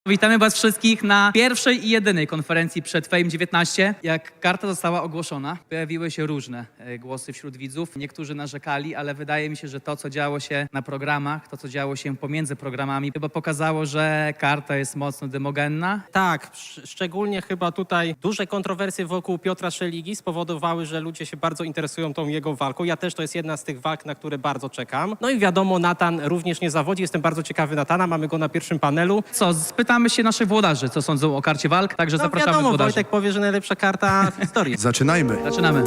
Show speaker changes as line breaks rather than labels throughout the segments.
Witamy was wszystkich na pierwszej i jedynej konferencji przed Fame 19. Jak karta została ogłoszona, pojawiły się różne głosy wśród widzów. Niektórzy narzekali, ale wydaje mi się, że to, co działo się na programach, to, co działo się pomiędzy programami, chyba pokazało, że karta jest mocno demogenna.
Tak, szczególnie chyba tutaj duże kontrowersje wokół Piotra Szeligi spowodowały, że ludzie się bardzo interesują tą jego walką. Ja też to jest jedna z tych walk, na które bardzo czekam. No i wiadomo, Natan również nie zawodzi. Jestem bardzo ciekawy Natana, mamy go na pierwszym panelu.
Co, spytamy się naszych włodarzy, co sądzą o karcie walk, także
No
zapraszamy
wiadomo,
włodarzy.
Wojtek powie, że najlepsza karta w historii.
Zaczynajmy.
Zaczynamy.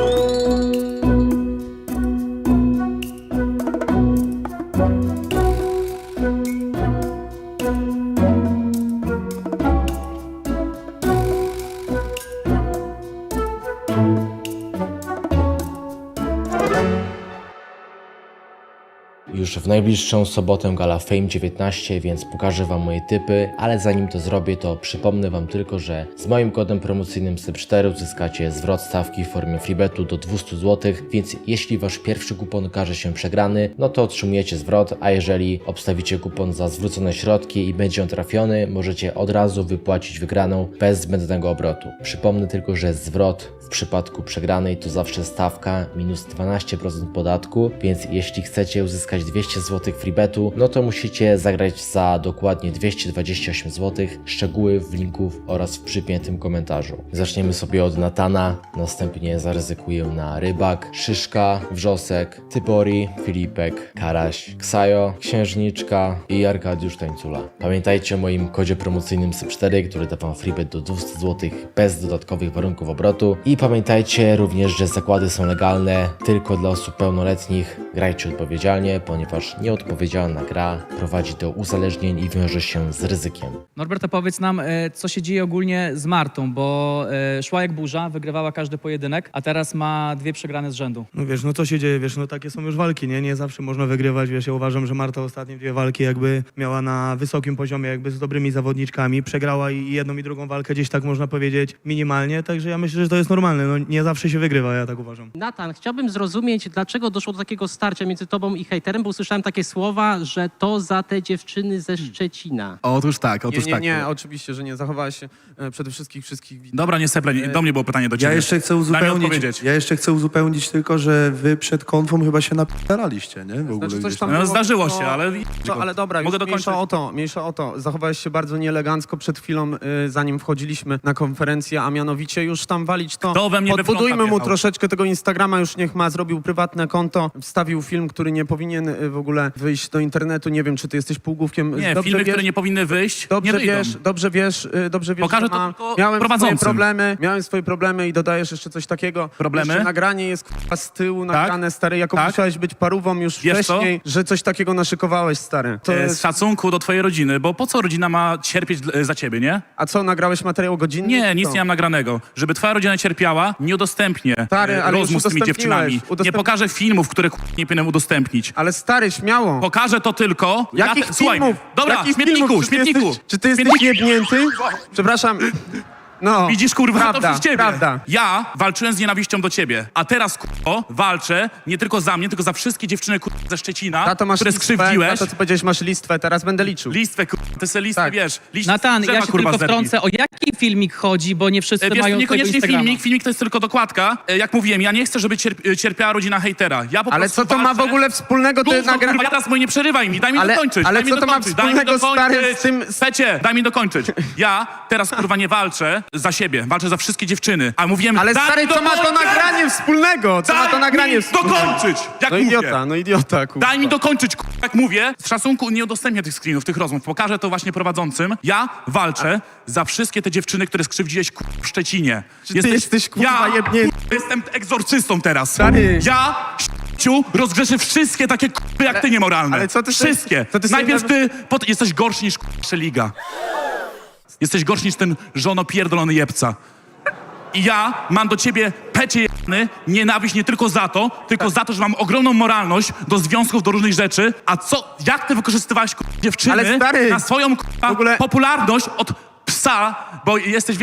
Już w najbliższą sobotę gala Fame 19, więc pokażę wam moje typy, ale zanim to zrobię, to przypomnę wam tylko, że z moim kodem promocyjnym SYP4 uzyskacie zwrot stawki w formie freebetu do 200 zł, więc jeśli wasz pierwszy kupon okaże się przegrany, no to otrzymujecie zwrot, a jeżeli obstawicie kupon za zwrócone środki i będzie on trafiony, możecie od razu wypłacić wygraną bez zbędnego obrotu. Przypomnę tylko, że zwrot w przypadku przegranej to zawsze stawka minus 12% podatku, więc jeśli chcecie uzyskać 200 zł freebetu, no to musicie zagrać za dokładnie 228 zł. Szczegóły w linku oraz w przypiętym komentarzu. Zaczniemy sobie od Natana, następnie zaryzykuję na Rybak, Szyszka, Wrzosek, Tybori, Filipek, Karaś, Ksajo, Księżniczka i Arkadiusz Tańcula. Pamiętajcie o moim kodzie promocyjnym SYP4, który da wam freebet do 200 zł bez dodatkowych warunków obrotu. I pamiętajcie również, że zakłady są legalne tylko dla osób pełnoletnich. Grajcie odpowiedzialnie, ponieważ nieodpowiedzialna gra prowadzi do uzależnień i wiąże się z ryzykiem.
Norbert, opowiedz nam, co się dzieje ogólnie z Martą, bo szła jak burza, wygrywała każdy pojedynek, a teraz ma 2 przegrane z rzędu.
No wiesz, no co się dzieje, wiesz, no takie są już walki, nie? Nie zawsze można wygrywać, wiesz, ja uważam, że Marta ostatnie 2 walki jakby miała na wysokim poziomie, jakby z dobrymi zawodniczkami, przegrała i jedną i drugą walkę gdzieś tak można powiedzieć minimalnie, także ja myślę, że to jest normalne, no nie zawsze się wygrywa, ja tak uważam.
Natan, chciałbym zrozumieć, dlaczego doszło do takiego starcia między tobą i hejterem, bo usłyszałem takie słowa, że to za te dziewczyny ze Szczecina.
Otóż tak.
Nie, oczywiście, że nie. Zachowałeś się przede wszystkich widzów.
Dobra, nie seple, do mnie było pytanie do ciebie.
Ja jeszcze chcę uzupełnić tylko, że wy przed konfą chyba się napisaliście, nie? W ogóle
Znaczy, coś
gdzieś
tam
No,
było,
zdarzyło
to-
się, ale...
Ale dobra,
Mogę
już
dokończyć?
mniejsza o to. Zachowałeś się bardzo nieelegancko przed chwilą, zanim wchodziliśmy na konferencję, a mianowicie już tam walić to.
Kto we mnie we
Podbudujmy
fronta
mu
wjechał?
troszeczkę tego Instagrama, już niech ma, zrobił prywatne konto, wstawił film, który nie powinien w ogóle wyjść do internetu. Nie wiem, czy ty jesteś półgłówkiem.
Nie, filmy, które nie powinny wyjść, nie wyjdą.
Dobrze wiesz,
Pokażę
że
to tylko
miałem
prowadzącym.
swoje problemy i dodajesz jeszcze coś takiego.
Problemy?
Jeszcze nagranie jest z tyłu nagrane, stary, jako
Tak.
musiałeś być parówą już
Wiesz co?
wcześniej, że coś takiego naszykowałeś, stary. To
Z
jest...
szacunku do twojej rodziny, bo po co rodzina ma cierpieć za ciebie, nie?
A co, nagrałeś materiał godzinny?
Nie, nic
Co?
nie mam nagranego. Żeby twoja rodzina cierpiała, nie udostępnię
Stary, ale
rozmów
już
z tymi dziewczynami. Nie pokażę filmów, które nie powinienem udostępnić.
Ale stary, śmiało.
Pokażę to tylko...
Jakich
Słuchaj,
filmów?
dobra,
Jakich
śmietniku,
filmów?
śmietniku.
Czy ty jesteś jebnięty? Przepraszam. No,
Widzisz, kurwa,
prawda,
to przez ciebie.
prawda.
Ja walczyłem z nienawiścią do ciebie, a teraz, walczę nie tylko za mnie, tylko za wszystkie dziewczyny, ze Szczecina,
Tato, masz
które
listwę,
skrzywdziłeś.
tato, co powiedziałeś, masz listwę, teraz będę liczył.
Listwę, ty se listwę,
Tak.
wiesz.
Natan,
drzewa,
ja się
kurwa,
tylko
zerwij.
wtrącę, o jaki filmik chodzi, bo nie wszyscy
Wiesz,
mają
niekoniecznie
swojego Instagrama.
filmik to jest tylko dokładka. Jak mówiłem, ja nie chcę, żeby cierpiała rodzina hejtera. Ja po
Ale
prostu
co to ma w
walczę.
ogóle wspólnego? Ty
Gówno, kurwa, ja teraz nie przerywaj mi, daj mi dokończyć.
ale
daj mi
co to ma
dokończyć, daj mi
wspólnego, stary,
dokończyć.
z tym...
Pecie, daj mi dokończyć. Ja teraz, kurwa, nie walczę za siebie, walczę za wszystkie dziewczyny. A mówiłem,
Ale
daj
stary,
mi
co ma to
dokończyć!
nagranie wspólnego? Co ma to
Daj
nagranie
mi
wspólnego?
dokończyć! Jak
No
mówię.
idiota, kurwa.
Daj mi dokończyć, jak mówię. Z szacunku nie udostępnię tych screenów, tych rozmów. Pokażę to właśnie prowadzącym. Ja walczę za wszystkie te dziewczyny, które skrzywdziłeś w Szczecinie.
ty jesteś, kurwa, jebnięty?
Jestem egzorcystą teraz.
Stary.
Ja, rozgrzeszę wszystkie takie jak ty niemoralne.
ale co ty sobie-
Wszystkie.
co ty sobie
Najpierw ty, jesteś gorszy niż Szeliga. Jesteś gorszy niż ten żono pierdolony jebca. I ja mam do ciebie, pecie jebany, nienawiść nie tylko za to, tylko za to, że mam ogromną moralność do związków, do różnych rzeczy. A co, jak ty wykorzystywałeś dziewczyny
Ale stary,
na swoją
w ogóle-
popularność od psa, bo jesteś, wiesz,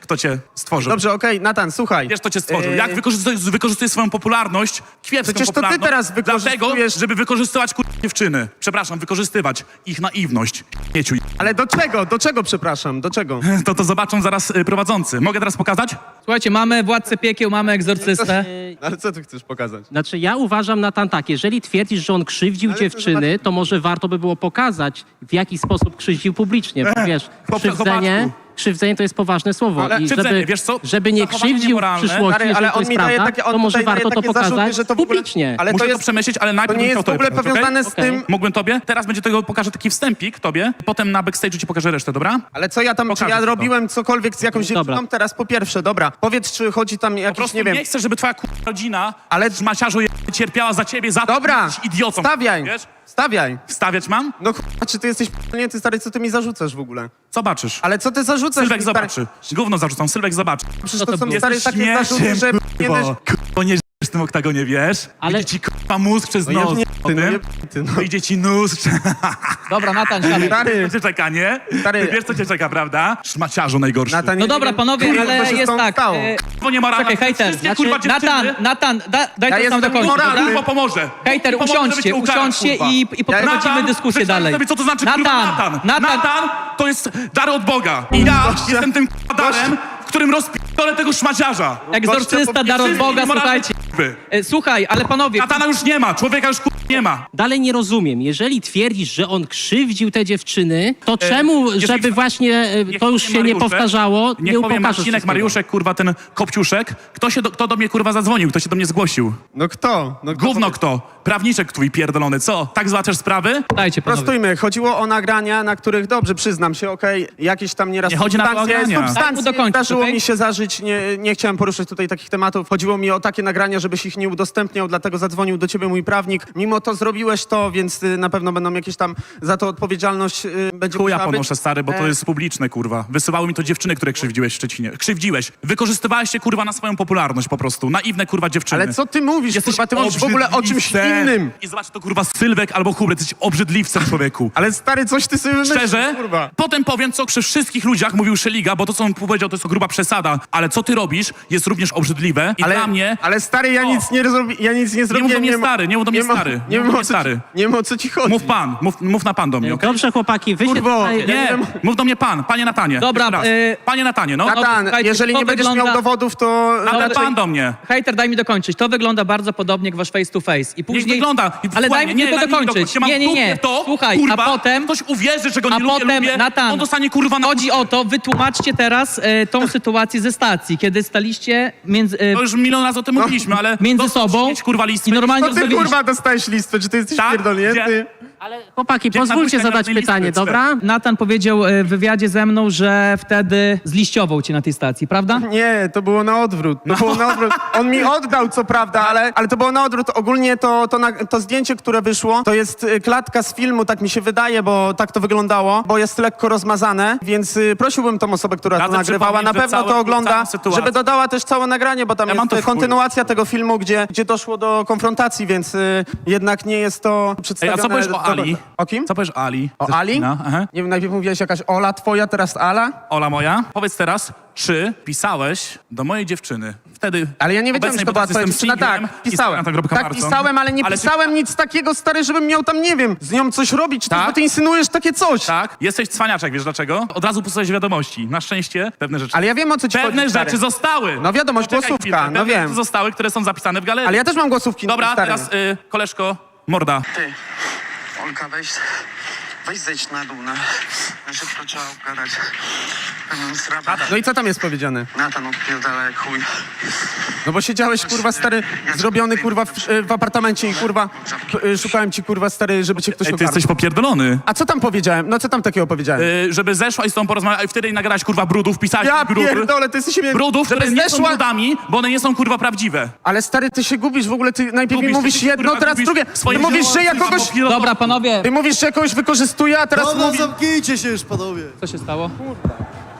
kto cię stworzył.
Dobrze, okej, Natan, słuchaj.
Wiesz, kto cię stworzył. Jak wykorzystujesz swoją popularność, kiepską
Przecież to ty
popularność,
teraz wykorzystujesz-
dlatego, żeby wykorzystywać dziewczyny. Przepraszam, wykorzystywać ich naiwność. Mieciu.
Ale do czego? Do czego, przepraszam? Do czego?
To zobaczą zaraz prowadzący. Mogę teraz pokazać?
Słuchajcie, mamy Władcę Piekieł, mamy Egzorcystę.
Ale co ty chcesz pokazać?
Znaczy ja uważam, Natan, tak, jeżeli twierdzisz, że on krzywdził
Ale
dziewczyny, to może warto by było pokazać, w jaki sposób krzywdził publicznie, bo wiesz, krzywdzenie to jest poważne słowo
Ale
i
krzywdzenie, wiesz co?
żeby nie
Zachowanie
krzywdził w
niemoralne.
przyszłości,
Stary,
jeżeli
ale
to
on
jest
mi daje
prawda,
takie, on
to może
tutaj daje
warto to
takie zarzuty,
pokazać
że to w ogóle...
publicznie.
Ale
Muszę
to
to
jest...
przemyśleć, ale
To
najpierw
nie
bym
jest
chciał
w ogóle
tobie powiedzieć,
powiązane z
okej?
tym...
Mógłbym tobie? Teraz będzie tego, pokażę taki wstępik tobie, potem na backstage'u ci pokażę resztę, dobra?
Ale co ja tam, czy
Pokażę
ja
ci to.
robiłem cokolwiek z jakąś
Dobra.
dziewczyną? Teraz po pierwsze, dobra. Powiedz, czy chodzi tam
Po
jakiś,
prostu
nie wiem...
chcę, żeby twoja rodzina,
Ale-
ale szmaciarzu cierpiała za ciebie, za to,
Dobra,
że jesteś idiotą.
stawiaj,
Wiesz?
stawiaj.
Wstawiać mam?
No czy ty jesteś nie, ty stary, co ty mi zarzucasz w ogóle?
Zobaczysz.
Ale co ty zarzucasz?
Sylwek
mi, stary?
zobaczy. Gówno zarzucam, Sylwek zobaczy.
Przecież
Co
to
to
są
było?
stare takie zarzuty, że... Nie
kurwo. Kurwo, nie w tym oktagonie, wiesz?
Ale-
Idzie ci kurwa mózg przez
No
nos.
jebnięty, no jebnięty, no.
Idzie ci nóż.
Dobra, Natan, siadaj.
Stary,
Co cię czeka, nie?
Stary.
Ty wiesz, co cię czeka, prawda? Szmaciarzu najgorszy.
Natan,
No
nie
dobra,
wiem,
panowie,
kurwa,
ale
co się z
jest
tą
tak.
stało.
Kurwo niemoralna.
Czekaj, hejter.
Wszystkie, kurwa, dziewczyny.
Natan, daj
Ja
to sam
jestem
dokończyć,
moralny.
dobra?
Kurwa pomoże.
Hejter,
Pomoże, żeby
usiądźcie,
cię ukarać,
usiądźcie
kurwa.
i poprowadzimy
Natan,
dyskusję
przeczytaj
dalej.
sobie, co to znaczy kurwa Natan.
Natan.
Natan to jest dar od Boga. I ja jestem tym kurwa darem, w którym rozpierdolę tego szmaciarza.
Egzorcysta, dar od Boga, słuchajcie. Słuchaj, ale panowie,
Natana już nie ma, człowieka już kurwa nie ma.
Dalej nie rozumiem. Jeżeli twierdzisz, że on krzywdził te dziewczyny, to czemu,
niech
żeby
mi-
właśnie
Niech
to już
powie
się nie
Mariuszek,
powtarzało,
niech
nie
powie
pokażesz
Marcinek,
wszystkiego.
Mariuszek, kurwa, ten Kopciuszek. Kto do mnie, kurwa, zadzwonił? Kto się do mnie zgłosił?
No kto? No
Gówno kto? Prawniczek twój pierdolony, co? Tak załatwiasz sprawy?
dajcie panowie.
Prostujmy, chodziło o nagrania, na których, dobrze, przyznam się, okej, jakieś tam nieraz
Nie chodzi na to nagrania.
Daj mu
substancje
dokończyć,
zdarzyło
okej?
mi się zażyć, nie chciałem poruszać tutaj takich tematów. Chodziło mi o takie nagrania, żebyś ich nie udostępniał, dlatego zadzwonił do ciebie mój prawnik. Mimo to zrobiłeś to, więc na pewno będą jakieś tam za to odpowiedzialność będzie
Chuja
musiała być.
ponoszę, stary, bo to jest publiczne, kurwa. Wysyłały mi to dziewczyny, które krzywdziłeś w Szczecinie. Krzywdziłeś. Wykorzystywałeś się, kurwa, na swoją popularność po prostu. Naiwne, kurwa, dziewczyny.
Ale co ty mówisz, kurwa, ty mówisz w ogóle o czymś
obrzydliwcem.
innym.
I zobacz, to kurwa Sylwek albo Hubert, jesteś obrzydliwcem, człowieku.
Ale stary, coś ty sobie wymyślisz,
Szczerze,
kurwa.
potem powiem, co przy wszystkich ludziach mówił Szeliga, bo to, co on powiedział, to jest to gruba przesada, ale co ty robisz, jest również obrzydliwe i dla mnie...
Ale stary, ja
O.
nic nie zrobiłem. Ja nic nie zrobiłem.
do mnie stary, nie mów do mnie stary.
Nie
Nie mów
wiem
do
o
mnie
co
stary.
ci, nie wiem o co ci chodzi.
Mów pan, mów na pan do mnie, okej?
Dobrze, chłopaki, wy się
Kurwo,
tutaj...
Nie, mów do mnie pan, panie Natanie.
Dobra,
Jeszcze raz. Panie Natanie, no.
Natan,
słuchajcie,
jeżeli
to
nie będziesz
wygląda-
miał dowodów, to...
Ale pan do mnie.
Hejter, daj mi dokończyć. To wygląda bardzo podobnie jak wasz face to face. I później...
Niech wygląda.
Ale daj mi tylko dokończyć. Nie.
To,
Słuchaj,
kurwa,
a potem...
ktoś uwierzy, że go nie
A
lubię,
potem,
lubię,
Natan,
on dostanie kurwa na...
Chodzi o to, wytłumaczcie teraz tą sytuację ze stacji, kiedy staliście między,
To już milion razy o tym mówiliśmy, ale...
między
dostać
sobą
mieć, kurwa, listwę.
i normalnie
No ty kurwa dostałeś listwę, czy ty jesteś
Tak?
pierdolnięty?
Gdzie?
Ale chłopaki,
Gdzie
pozwólcie
na
zadać
buźce
pytanie,
listy,
dobra?
Natan powiedział w wywiadzie ze mną, że wtedy zliściował cię na tej stacji, prawda?
Nie, to było na odwrót. To było na odwrót. On mi oddał, co prawda, ale to było na odwrót. Ogólnie to zdjęcie, które wyszło, to jest klatka z filmu, tak mi się wydaje, bo tak to wyglądało, bo jest lekko rozmazane, więc prosiłbym tą osobę, która to
Radzę
nagrywała, na
przypomnieć, że
pewno to
całą
ogląda,
sytuację.
żeby dodała też całe nagranie, bo tam
Ja mam to
jest
w chuju.
kontynuacja tego filmu, gdzie doszło do konfrontacji, więc jednak nie jest to
Ej,
przedstawione...
a co powiesz o Ali?
O kim?
Co powiesz o Ali?
O
Ze
Ali?
Szczecina? Aha.
Nie wiem, najpierw mówiłaś jakaś Ola twoja, teraz Ala?
Ola moja, powiedz teraz, czy pisałeś do mojej dziewczyny wtedy...
Ale ja nie wiedziałem,
obecnej,
że to
bo
była
teraz
twoja
jestem
dziewczyna.
singlem
Tak,
i
pisałem.
na to
Tak, pisałem, ale nie pisałem nic takiego, stary, żebym miał tam, nie wiem, z nią coś robić.
Tak?
Bo ty insynuujesz takie coś.
Tak, jesteś cwaniaczek, wiesz dlaczego? Od razu posłuchaj wiadomości. Na szczęście pewne rzeczy...
Ale ja wiem, o co ci
Pewne
chodzi, stary.
rzeczy zostały.
No wiadomość,
Poczekaj
głosówka,
chwilkę.
no
Pewne
wiem.
rzeczy zostały, które są zapisane w galerii.
Ale ja też mam głosówki,
Dobra,
stary.
teraz koleżko, morda.
Ty, Olka, weź zejdź na dół, na szybko trzeba obgadać pewną sprawę.
No i co tam jest powiedziane?
Natan odpierdala jak chuj.
No bo siedziałeś, kurwa, stary, zrobiony, kurwa, w apartamencie i, kurwa, szukałem ci, kurwa, stary, żeby cię ktoś
Ej, ty
ogarnął.
jesteś popierdolony.
A co tam powiedziałem? No co tam takiego powiedziałem?
Żeby zeszła i z tą porozmawiać, i wtedy nagrać kurwa brudów, pisałeś
Ja
brudy.
pierdolę, ty jesteś...
Brudów,
żeby
które nie są
zeszła...
brudami, bo one nie są kurwa prawdziwe.
Ale stary, ty się gubisz w ogóle, ty najpierw mi
Gubisz,
mówisz
ty się,
jedno,
kurwa,
teraz
gubisz
drugie.
w swoim
Ty mówisz, że ja
życiu,
kogoś...
kurwa,
Dobra, panowie,
Ty mówisz, że ja kogoś wykorzystuję, a teraz
Dobra,
mówisz...
zamknijcie się już, panowie.
co się stało?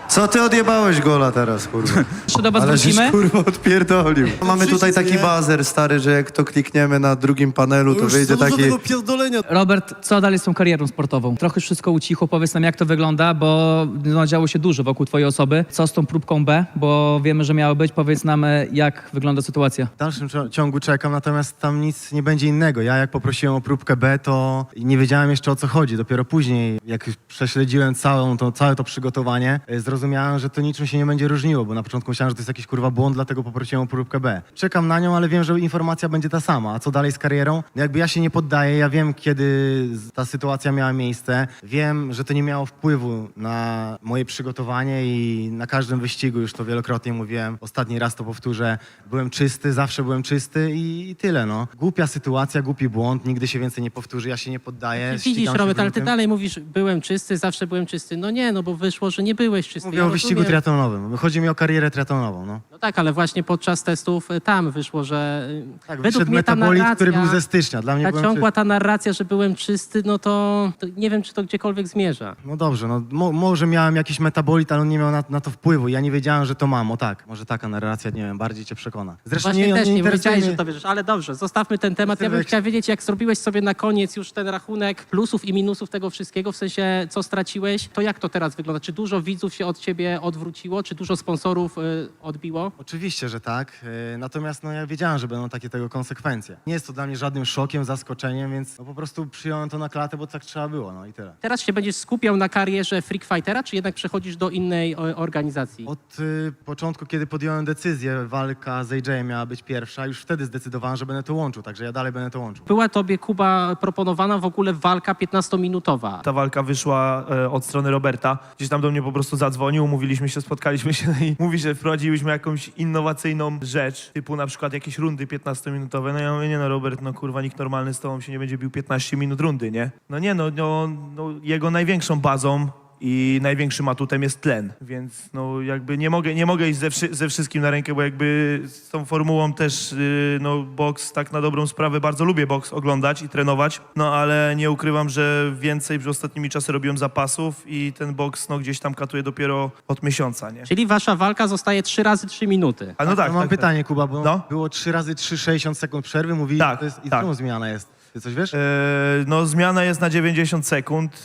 Co ty odjebałeś gola teraz, kurwa?
Jeszcze do was
Ale żeś,
wrócimy.
kurwa, odpierdolił. Mamy tutaj taki
nie?
bazer, stary, że jak to klikniemy na drugim panelu, to wyjdzie taki...
tego pierdolenia.
Robert, co dalej z tą karierą sportową? Trochę wszystko ucichło, powiedz nam jak to wygląda, bo no, działo się dużo wokół twojej osoby. Co z tą próbką B? Bo wiemy, że miało być. Powiedz nam, jak wygląda sytuacja.
W dalszym ciągu czekam, natomiast tam nic nie będzie innego. Ja jak poprosiłem o próbkę B, to nie wiedziałem jeszcze o co chodzi. Dopiero później, jak prześledziłem całe to przygotowanie, zrozumiałem, że to niczym się nie będzie różniło, bo na początku myślałem, że to jest jakiś kurwa błąd, dlatego poprosiłem o próbkę B. Czekam na nią, ale wiem, że informacja będzie ta sama. A co dalej z karierą? Jakby ja się nie poddaję, ja wiem, kiedy ta sytuacja miała miejsce. Wiem, że to nie miało wpływu na moje przygotowanie i na każdym wyścigu, już to wielokrotnie mówiłem, ostatni raz to powtórzę, byłem czysty, zawsze byłem czysty i tyle, no. Głupia sytuacja, głupi błąd, nigdy się więcej nie powtórzy, ja się nie poddaję.
Widzisz,
ścigam się
Robert,
w
ale ty
lutym.
dalej mówisz, byłem czysty, zawsze byłem czysty. No nie, no bo wyszło, że nie byłeś czysty.
Mówię
Ja
o wyścigu
rozumiem.
triatlonowym. Chodzi mi o karierę triatlonową, no.
No tak, ale właśnie podczas testów tam wyszło, że
Tak,
według
wyszedł
mnie ta
metabolit,
narracja,
który był ze stycznia. Dla mnie
ta
byłem
ciągła
czysty.
ta narracja, że byłem czysty, no to nie wiem, czy to gdziekolwiek zmierza.
No dobrze, no może miałem jakiś metabolit, ale on nie miał na to wpływu. Ja nie wiedziałem, że to mam. O tak, może taka narracja, nie wiem, bardziej cię przekona. Zresztą
Właśnie też nie
interesuje
powiedziałeś,
mnie-
że to wierzysz, ale dobrze, zostawmy ten temat. Ja bym
Sylwek.
chciał wiedzieć, jak zrobiłeś sobie na koniec już ten rachunek plusów i minusów tego wszystkiego, w sensie co straciłeś, to jak to teraz wygląda? Czy dużo widzów się od ciebie odwróciło, czy dużo sponsorów odbiło?
Oczywiście, że tak. Natomiast no, ja wiedziałem, że będą takie tego konsekwencje. Nie jest to dla mnie żadnym szokiem, zaskoczeniem, więc no, po prostu przyjąłem to na klatę, bo tak trzeba było, no i tyle.
Teraz się będziesz skupiał na karierze Freak Fightera, czy jednak przechodzisz do innej organizacji?
Od początku, kiedy podjąłem decyzję, walka z AJ miała być pierwsza, już wtedy zdecydowałem, że będę to łączył, także ja dalej będę to łączył.
Była tobie, Kuba, proponowana w ogóle walka 15-minutowa.
Ta walka wyszła od strony Roberta. Gdzieś tam do mnie po prostu zadzwonił, umówiliśmy się, spotkaliśmy się i mówi, że wprowadziliśmy jakąś innowacyjną rzecz, typu na przykład jakieś rundy 15-minutowe. No ja mówię, nie no Robert, no kurwa, nikt normalny z tobą się nie będzie bił 15 minut rundy, nie? No nie, no jego największą bazą i największym atutem jest tlen, więc no jakby nie mogę iść ze wszystkim na rękę, bo jakby z tą formułą też no boks tak na dobrą sprawę, bardzo lubię boks oglądać i trenować, no ale nie ukrywam, że więcej przez ostatnimi czasy robiłem zapasów i ten boks no gdzieś tam katuje dopiero od miesiąca, nie?
Czyli wasza walka zostaje 3 razy 3 minuty.
A no tak,
mam
tak,
pytanie, Kuba, bo
No?
było 3 razy 3, 60 sekund przerwy, mówili,
Tak,
że to jest, i
tak.
czemu zmiana jest? Ty coś wiesz?
No zmiana jest na 90 sekund,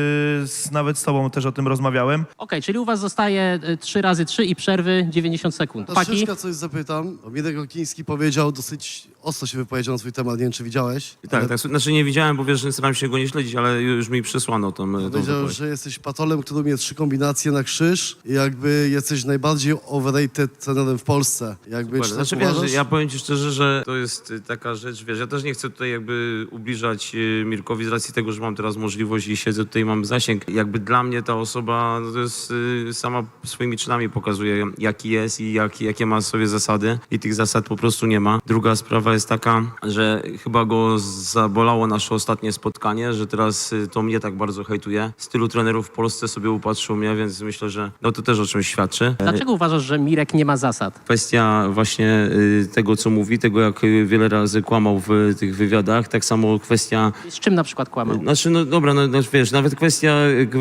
nawet z tobą też o tym rozmawiałem.
Okej, czyli u was zostaje 3 razy 3 i przerwy 90 sekund. Paki?
Troszeczkę coś zapytam. Mirek Okiński powiedział, dosyć ostro się wypowiedział na swój temat, nie wiem czy widziałeś.
Tak, tak. Znaczy nie widziałem, bo wiesz, że staram się go nie śledzić, ale już mi przysłano tą
Powiedział,
wypowiedź.
że jesteś patolem, który umie 3 kombinacje na krzyż i jakby jesteś najbardziej overrated trenerem w Polsce. Jakby, czy tak
Znaczy
uważasz?
wiesz, ja powiem ci szczerze, że to jest taka rzecz, wiesz, ja też nie chcę tutaj jakby ubliżać Mirkowi z racji tego, że mam teraz możliwość i siedzę tutaj, mam zasięg. Jakby dla mnie ta osoba, no to jest sama swoimi czynami pokazuje, jaki jest i jakie ma sobie zasady i tych zasad po prostu nie ma. Druga sprawa jest taka, że chyba go zabolało nasze ostatnie spotkanie, że teraz to mnie tak bardzo hejtuje. Z tylu trenerów w Polsce sobie upatrzył mnie, więc myślę, że no to też o czymś świadczy.
Dlaczego uważasz, że Mirek nie ma zasad?
Kwestia właśnie tego, co mówi, tego jak wiele razy kłamał w tych wywiadach, tak samo kwestia,
Z czym na przykład kłamał?
znaczy no dobra, no wiesz, nawet kwestia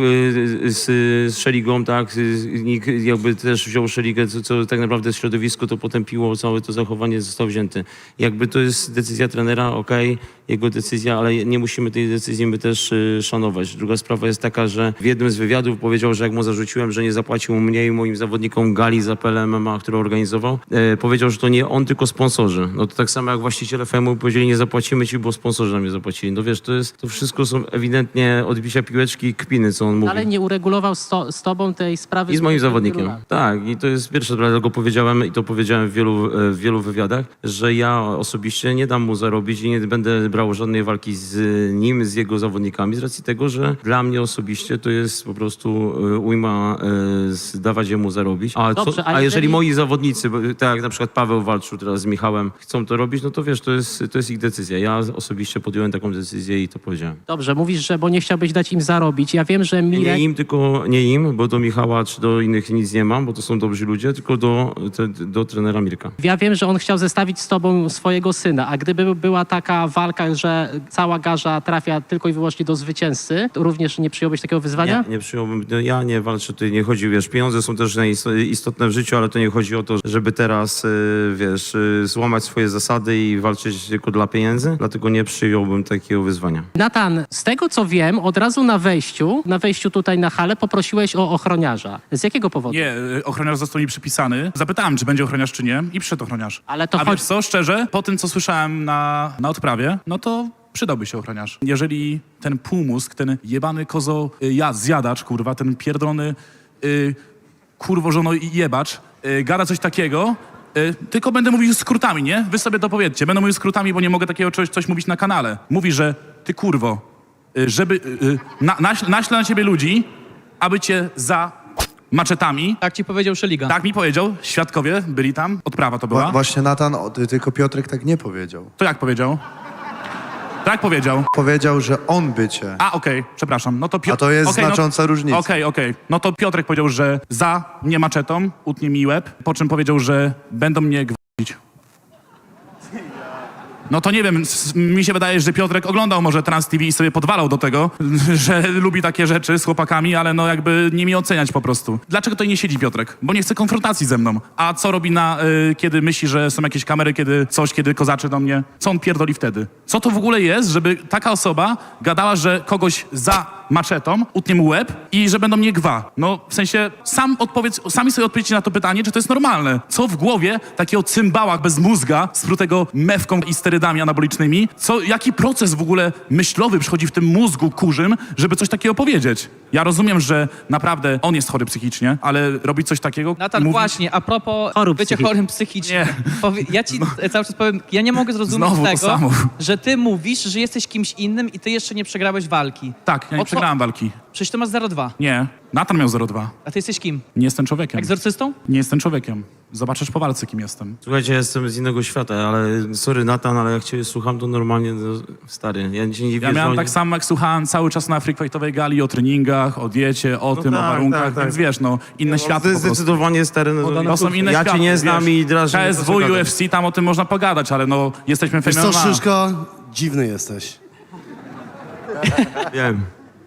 z Szeligą, tak, nikt jakby też wziął Szeligę, co tak naprawdę środowisko to potępiło, całe to zachowanie został wzięty. Jakby to jest decyzja trenera, okej, jego decyzja, ale nie musimy tej decyzji my też szanować. Druga sprawa jest taka, że w jednym z wywiadów powiedział, że jak mu zarzuciłem, że nie zapłacił mnie i moim zawodnikom gali za PLMMA, którą organizował, powiedział, że to nie on, tylko sponsorzy. No to tak samo jak właściciele FEM-u powiedzieli, nie zapłacimy ci, bo sponsorzy nam nie zapłacili. No wiesz, to wszystko są ewidentnie odbicia piłeczki i kpiny, co on mówi.
Ale nie uregulował z tobą tej sprawy?
I z moim zawodnikiem.
Wielu lat.
Tak, i to jest pierwsze, dlatego powiedziałem i to powiedziałem w wielu wywiadach, że ja osobiście nie dam mu zarobić i nie będę brał żadnej walki z nim, z jego zawodnikami, z racji tego, że dla mnie osobiście to jest po prostu ujma dawać jemu zarobić.
Dobrze,
A
a
jeżeli
jeżeli
moi zawodnicy, tak jak na przykład Paweł walczył teraz z Michałem, chcą to robić, no to wiesz, to jest ich decyzja. Ja osobiście podjąłem taką decyzję i to powiedziałem.
Dobrze, mówisz, że bo nie chciałbyś dać im zarobić. Ja wiem, że Mirek...
Nie im, tylko nie im, bo do Michała czy do innych nic nie mam, bo to są dobrzy ludzie, tylko do trenera Mirka.
Ja wiem, że on chciał zestawić z tobą swojego swojego syna. A gdyby była taka walka, że cała garza trafia tylko i wyłącznie do zwycięzcy, to również nie przyjąłbyś takiego wyzwania?
Nie przyjąłbym, no ja nie walczę, tutaj nie chodzi, wiesz, pieniądze są też istotne w życiu, ale to nie chodzi o to, żeby teraz, wiesz, złamać swoje zasady i walczyć tylko dla pieniędzy, dlatego nie przyjąłbym takiego wyzwania.
Natan, z tego co wiem, od razu na wejściu tutaj na halę poprosiłeś o ochroniarza. Z jakiego powodu?
Nie, ochroniarz został mi przypisany. Zapytałem, czy będzie ochroniarz, czy nie i przyszedł ochroniarz.
Ale to
A wiesz co, szczerze, po tym, co słyszałem na odprawie, no to przydałby się ochroniarz. Jeżeli ten półmózg, ten jebany zjadacz, kurwa, ten pierdolony kurwo żono jebacz, gada coś takiego, tylko będę mówił skrótami, nie? Wy sobie to powiedzcie. Będę mówił skrótami, bo nie mogę takiego coś mówić na kanale. Mówi, że ty kurwo, żeby naślę na ciebie ludzi, aby cię za maczetami.
Tak ci powiedział Szeliga.
Tak mi powiedział, świadkowie byli tam, odprawa to była.
Właśnie Natan, tylko Piotrek tak nie powiedział.
To jak powiedział? Tak powiedział.
Powiedział, że on by cię.
A, okej, przepraszam. No to
A to jest znacząca różnica.
Okej. No to Piotrek powiedział, że za mnie maczetą, utnie mi łeb, po czym powiedział, że będą mnie gwałcić. No to nie wiem, mi się wydaje, że Piotrek oglądał może Trans TV i sobie podwalał do tego, że lubi takie rzeczy z chłopakami, ale no jakby nie mi oceniać po prostu. Dlaczego tutaj nie siedzi Piotrek? Bo nie chce konfrontacji ze mną. A co robi kiedy myśli, że są jakieś kamery, kiedy kozaczy do mnie? Co on pierdoli wtedy? Co to w ogóle jest, żeby taka osoba gadała, że kogoś za maczetą utnie mu łeb i że będą mnie gwa? No w sensie sami sobie odpowiedzcie na to pytanie, czy to jest normalne. Co w głowie takiego cymbała bez mózga, sprutego mewką i sterydami anabolicznymi, jaki proces w ogóle myślowy przychodzi w tym mózgu kurzym, żeby coś takiego powiedzieć? Ja rozumiem, że naprawdę on jest chory psychicznie, ale robić coś takiego...
Natan, właśnie, a propos bycia chorym psychicznie. Ja ci cały czas powiem, ja nie mogę zrozumieć
Znowu to
tego,
samo.
że ty mówisz, że jesteś kimś innym i ty jeszcze nie przegrałeś walki.
Tak, ja nie przegrałem walki.
Przecież ty masz 0,2.
Nie, Natan miał 0,2.
A ty jesteś kim?
Nie jestem człowiekiem.
Egzorcystą?
Nie jestem człowiekiem. Zobaczysz po walce, kim jestem.
Słuchajcie, ja jestem z innego świata, ale sorry Natan, ale jak cię słucham, to normalnie, no, stary, ja cię nie wierzę.
Ja miałem tak samo, jak słuchałem cały czas na freakfightowej gali o treningach, o diecie, o tym, o warunkach, więc wiesz, no, inne światy
To jest
po prostu.
zdecydowanie, stary, no,
To są inne
ja
światy,
cię nie znam
wiesz.
i drażnię.
KSW, UFC, tam o tym można pogadać, ale no, jesteśmy
Wiesz co,
fenomenalni.
Szyszka? Dziwny jesteś.
Wiem.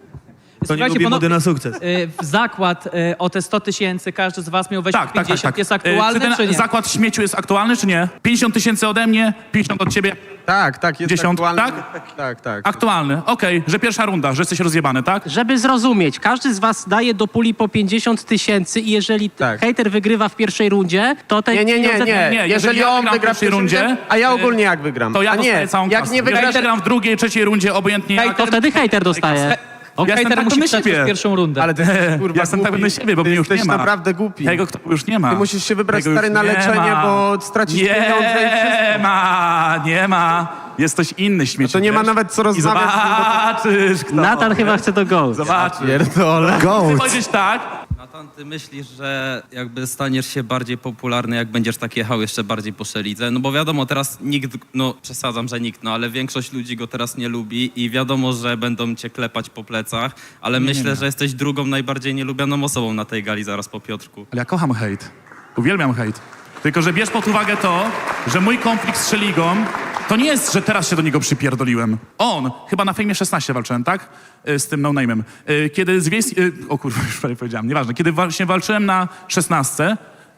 To nie lubi mody na sukces.
Zakład o te 100 000, każdy z was miał wejść
Tak,
w 50. Jest aktualny,
czy ten
czy nie?
zakład śmieciu jest aktualny, czy nie? 50 000 ode mnie, 50 od ciebie.
Tak, jest
10,
aktualny.
tak?
Tak.
Aktualny, okej, że pierwsza runda, że jesteś rozjebany, tak?
Żeby zrozumieć, każdy z was daje do puli po 50 000 i jeżeli hejter wygrywa w pierwszej rundzie, to te
Nie.
Nie, jeżeli ja
on
wygram w
wygra
pierwszej rundzie,
a ja ogólnie jak wygram.
to ja
a nie,
dostaję całą
jak
kasę.
nie
Jeżeli
wygrasz...
wygram w drugiej, trzeciej rundzie, obojętnie jak.
to wtedy hejter dostaje.
Ja jestem
Hejter
tak
musi
pewny
przejść
siebie.
przez pierwszą rundę.
Ale ty, kurwa,
Ja jestem tak
głupi.
pewny siebie, bo
Ty
mnie już nie
jesteś
ma.
naprawdę głupi.
Tego już nie ma.
Ty musisz się wybrać,
Tego
stary,
już
na
nie
leczenie,
ma.
bo stracisz pieniądze i wszystko.
Nie ma. Jest ktoś inny śmieci.
To nie ma
wiesz?
nawet co
I
rozmawiać.
zobaczysz, kto.
Natan chyba chce to go.
Zobaczysz.
Pierdolę.
Chcę powiedzieć tak,
Natan, ty myślisz, że jakby staniesz się bardziej popularny, jak będziesz tak jechał jeszcze bardziej po Szelidze? No bo wiadomo, teraz nikt, no przesadzam, że nikt, no ale większość ludzi go teraz nie lubi i wiadomo, że będą cię klepać po plecach, ale myślę, że jesteś drugą najbardziej nielubianą osobą na tej gali zaraz po Piotrku.
ale ja kocham hejt. Uwielbiam hejt. Tylko, że bierz pod uwagę to, że mój konflikt z Szeligą to nie jest, że teraz się do niego przypierdoliłem. On, chyba na Fejmie 16 walczyłem, tak? Z tym no-name'em. Kiedy z o kurwa, już prawie powiedziałem, nieważne. Kiedy właśnie walczyłem na 16,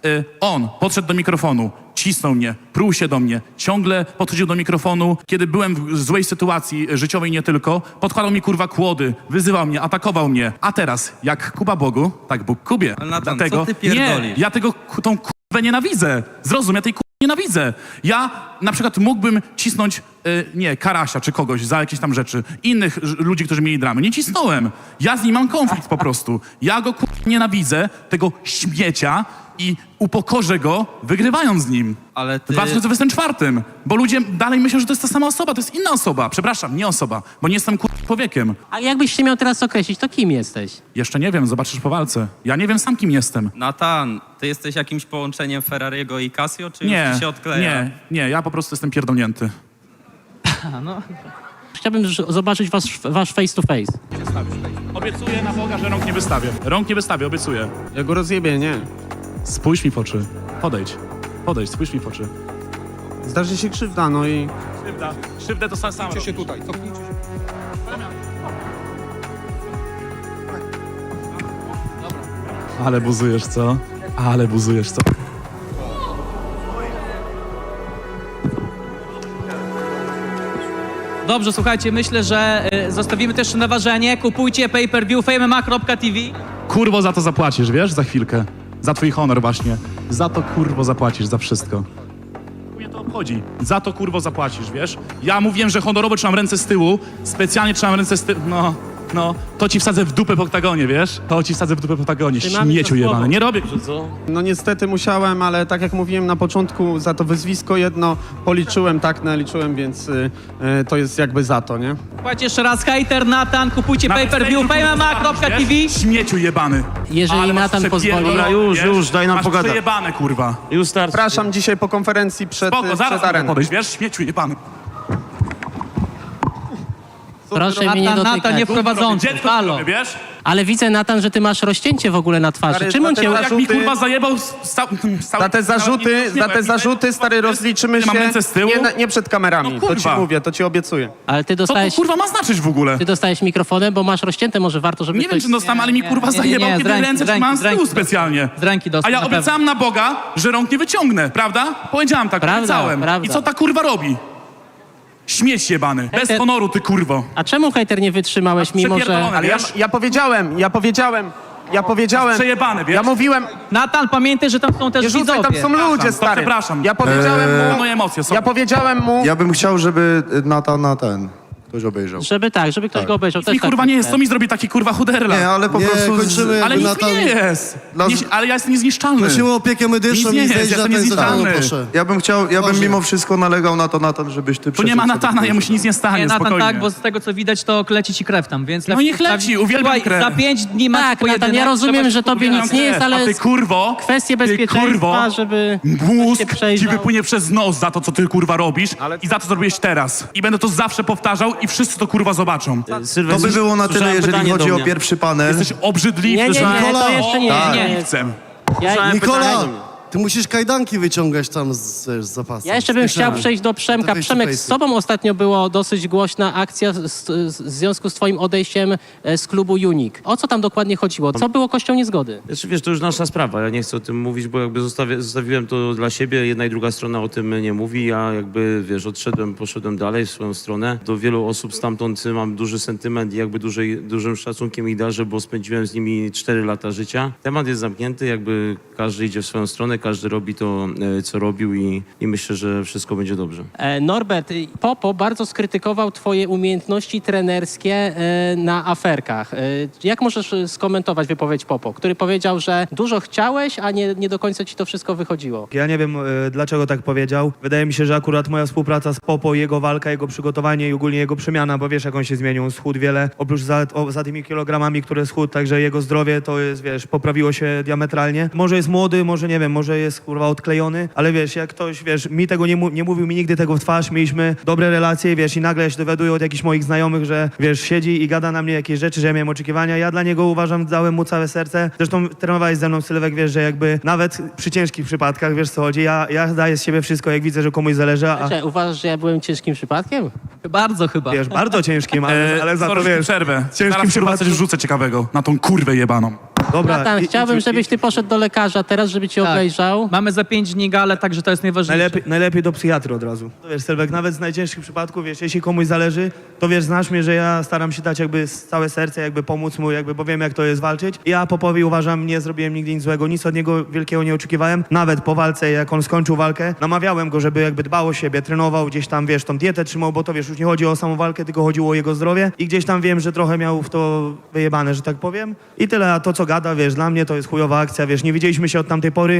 on podszedł do mikrofonu, cisnął mnie, pruł się do mnie, ciągle podchodził do mikrofonu. Kiedy byłem w złej sytuacji życiowej nie tylko, podkładał mi kurwa kłody, wyzywał mnie, atakował mnie. A teraz, jak Kuba Bogu, tak Bóg Kubie.
Ale Natan,
Dlatego,
co ty pierdolisz?
nie, ja tą kurwę nienawidzę. Zrozum, ja tej kurwy nienawidzę. Ja na przykład mógłbym cisnąć, Karasia czy kogoś za jakieś tam rzeczy. Innych ludzi, którzy mieli dramy. Nie cisnąłem. Ja z nim mam konflikt po prostu. Ja go nienawidzę, tego śmiecia i upokorzę go, wygrywając z nim.
Ale
W
ty...
2024. Bo ludzie dalej myślą, że to jest ta sama osoba, to jest inna osoba. Przepraszam, nie osoba, bo nie jestem człowiekiem.
A jakbyś się miał teraz określić, to kim jesteś?
Jeszcze nie wiem, zobaczysz po walce. Ja nie wiem sam, kim jestem.
Natan, ty jesteś jakimś połączeniem Ferrariego i Casio, czy już ci się odkleja?
Nie, ja po prostu jestem pierdolnięty.
Chciałbym zobaczyć wasz face to face.
Obiecuję na Boga, że rąk nie wystawię. Rąk nie wystawię, obiecuję.
Ja go rozjebię, nie.
Spójrz mi w oczy. Podejdź, spójrz mi w oczy.
Zdarzy się krzywda, no i...
Krzywdę to sam robisz. Ale buzujesz, co? Ale buzujesz, co?
Dobrze, słuchajcie, myślę, że zostawimy też na ważenie. Kupujcie pay-per-view famema.tv.
Kurwo za to zapłacisz, wiesz? Za chwilkę. Za twój honor właśnie. Za to kurwo zapłacisz, za wszystko. Mnie to obchodzi. Za to kurwo zapłacisz, wiesz? Ja mówiłem, że honorowo trzymam ręce z tyłu. Specjalnie trzymam ręce z tyłu. No, to ci wsadzę w dupę po oktagonie, wiesz? To ci wsadzę w dupę po oktagonie.
Trzymamy
Śmieciu
za słowo.
jebany. Nie robię.
No niestety musiałem, ale tak jak mówiłem na początku, za to wyzwisko jedno policzyłem, tak naliczyłem, więc to jest jakby za to, nie?
Słuchajcie, jeszcze raz, hater Natan, kupujcie
Nawet
pay-per-view
fejku,
famema.tv.
wiesz? Śmieciu jebany.
Jeżeli
Ale masz
Natan pozwoli-
przepierdolone,
Dobra, już,
wiesz?
już, daj nam
masz
pogadać.
przejebane, kurwa.
Już starczy.
Przepraszam dzisiaj po konferencji przed
Spoko, zaraz mogę
areną.
podejść, wiesz? Śmieciu jebany.
Proszę mnie nie
Natan,
dotykać.
nie wprowadzący,
Dziecko
halo.
robię, wiesz?
Ale widzę, Natan, że ty masz rozcięcie w ogóle na twarzy.
Stary,
Czym on
za
cię...
te
Jak mi kurwa zajebał
Za te zarzuty, stary, rozliczymy się
Mam ręce z tyłu?
nie przed kamerami.
No
To ci
kurwa.
mówię, to ci obiecuję.
Ale ty
Co to
dostałeś...
kurwa ma znaczyć w ogóle?
Ty dostałeś mikrofonem, bo masz rozcięte, może warto, żeby
Nie wiem,
ktoś...
czy dostałem, ale mi kurwa zajebał,
z
kiedy
ręki,
ręce
z ręki,
trzymałem z
z ręki
tyłu
dostał.
specjalnie.
Z ręki dostał,
A ja
na pewno.
obiecałem na Boga, że rąk nie wyciągnę, prawda? Powiedziałem tak,
Prawda,
obiecałem.
prawda.
I co ta kurwa robi? Śmieć jebany. Bez
Hejter-
honoru, ty kurwo.
A czemu, hejter, nie wytrzymałeś, mimo że...
Przepierdolone,
Ale
wiesz?
ja powiedziałem.
Przejebany, wiesz?
Ja mówiłem,
Natan, pamiętaj, że tam są też
nie rzucaj, tam
widzowie.
są ludzie,
Przepraszam,
stary.
przepraszam.
Ja powiedziałem mu,
Moje emocje są.
ja powiedziałem mu,
Ja bym chciał, żeby Natana ktoś obejrzał.
Żeby ktoś go obejrzał.
Mi kurwa nie jest, co mi zrobi taki kurwa chuderla?
Nie, ale po
Nie,
prostu...
kończymy.
Ale nic
Natan-
mi nie jest.
Dla-
Ale ja jestem niezniszczalny.
Prosimy o opiekę medyczną
Nic nie
i
jest,
zejść
ja
na
to
ten
niezniszczalny.
zadanie, proszę.
Ja bym
Boże.
mimo wszystko nalegał na to, Natan, żebyś ty
Tu nie ma
przeszedł
Natana,
sobie.
jemu się nic nie stanie,
Nie, Natan,
spokojnie.
tak, bo z tego co widać, to leci ci krew tam, więc...
No niech leci, uwielbiam
Słuchaj,
krew.
za 5 dni masz
Tak,
pojedynek,
Natan, ja rozumiem,
trzeba
że
się
tobie
skupić.
nic nie jest, ale
A ty kurwo,
kwestie
ty
bezpieczeństwa,
kurwo,
żeby
mózg
się
ci
przejrzał.
wypłynie przez nos za to, co ty kurwa robisz i za to zrobiłeś teraz. I będę to zawsze powtarzał i wszyscy to kurwa zobaczą.
To by było na tyle, jeżeli chodzi o pierwszy panel.
Jesteś obrzydliwy,
Nie,
że...
to jeszcze nie.
Tak.
nie.
Chcę.
Ja,
Nikola, ty musisz kajdanki wyciągać tam z zapasu.
Ja jeszcze bym chciał przejść do Przemka.
To
Przemek, z tobą ostatnio była dosyć głośna akcja w związku z twoim odejściem z klubu Unik. O co tam dokładnie chodziło? Co było kością niezgody?
Znaczy, wiesz, to już nasza sprawa. Ja nie chcę o tym mówić, bo jakby zostawiłem to dla siebie. Jedna i druga strona o tym nie mówi. Ja jakby, wiesz, poszedłem dalej w swoją stronę. Do wielu osób stamtąd mam duży sentyment i jakby dużym szacunkiem ich darzę, bo spędziłem z nimi 4 lata życia. Temat jest zamknięty, jakby każdy idzie w swoją stronę, każdy robi to, co robił i myślę, że wszystko będzie dobrze.
Norbert, Popo bardzo skrytykował twoje umiejętności trenerskie na aferkach. Jak możesz skomentować wypowiedź Popo, który powiedział, że dużo chciałeś, a nie do końca ci to wszystko wychodziło?
Ja nie wiem, dlaczego tak powiedział. Wydaje mi się, że akurat moja współpraca z Popo, jego walka, jego przygotowanie i ogólnie jego przemiana, bo wiesz, jak on się zmienił, on schudł wiele, oprócz za tymi kilogramami, które schudł, także jego zdrowie to jest, wiesz, poprawiło się diametralnie. Może jest młody, może nie wiem, może jest kurwa odklejony, ale wiesz, jak ktoś, wiesz, mi tego nie mówił mi nigdy tego w twarz, mieliśmy dobre relacje, wiesz, i nagle ja się dowiaduję od jakichś moich znajomych, że wiesz, siedzi i gada na mnie jakieś rzeczy, że ja miałem oczekiwania. Ja dla niego uważam, dałem mu całe serce. Zresztą trenowałeś ze mną, Sylwek, wiesz, że jakby nawet przy ciężkich przypadkach, wiesz co chodzi, ja daję z siebie wszystko, jak widzę, że komuś zależy, a
Czy uważasz, że ja byłem ciężkim przypadkiem?
Bardzo chyba.
wiesz, bardzo ciężkim, ale za to
Sorry,
wiesz,
przerwę.
ciężkim
Zaraz chyba coś
przypadku.
wrzucę ciekawego na tą kurwę jebaną.
Dobra.
Natan, chciałbym, żebyś ty poszedł do lekarza teraz, żeby cię obejrzał.
Mamy za 5 dni galę, także to jest najważniejsze.
Najlepiej do psychiatry od razu. To wiesz, Sylwek, nawet z najcięższych przypadków, wiesz, jeśli komuś zależy, to wiesz, znasz mnie, że ja staram się dać jakby całe serce, jakby pomóc mu, jakby, bo wiem, jak to jest walczyć. Ja Popowi uważam, nie zrobiłem nigdy nic złego, nic od niego wielkiego nie oczekiwałem. Nawet po walce, jak on skończył walkę, namawiałem go, żeby jakby dbał o siebie, trenował gdzieś tam, wiesz, tą dietę trzymał, bo to wiesz, już nie chodzi o samą walkę, tylko chodziło o jego zdrowie i gdzieś tam wiem, że trochę miał w to wyjebane, że tak powiem. I tyle, a to co gada, wiesz, dla mnie to jest chujowa akcja, wiesz, nie widzieliśmy się od tamtej pory,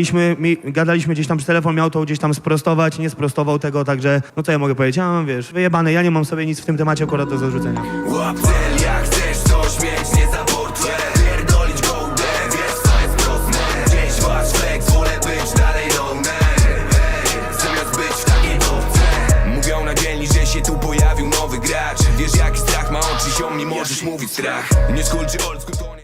gadaliśmy gdzieś tam przez telefon, miał to gdzieś tam sprostować, nie sprostował tego, także, no co ja mogę powiedzieć, ja mam, wiesz, wyjebane, ja nie mam sobie nic w tym temacie akurat do zarzucenia.
Łap cel, jak chcesz coś mieć, nie za portfel. Pierdolić gołdę, wiesz co jest proste. Gdzieś masz flex, wolę być dalej no zamiast być w takiej topce. Mówią na dzielni, że się tu pojawił nowy gracz. Wiesz jaki strach ma oczy, ziom, nie możesz mówić strach. Nie skulczy old school, to nie...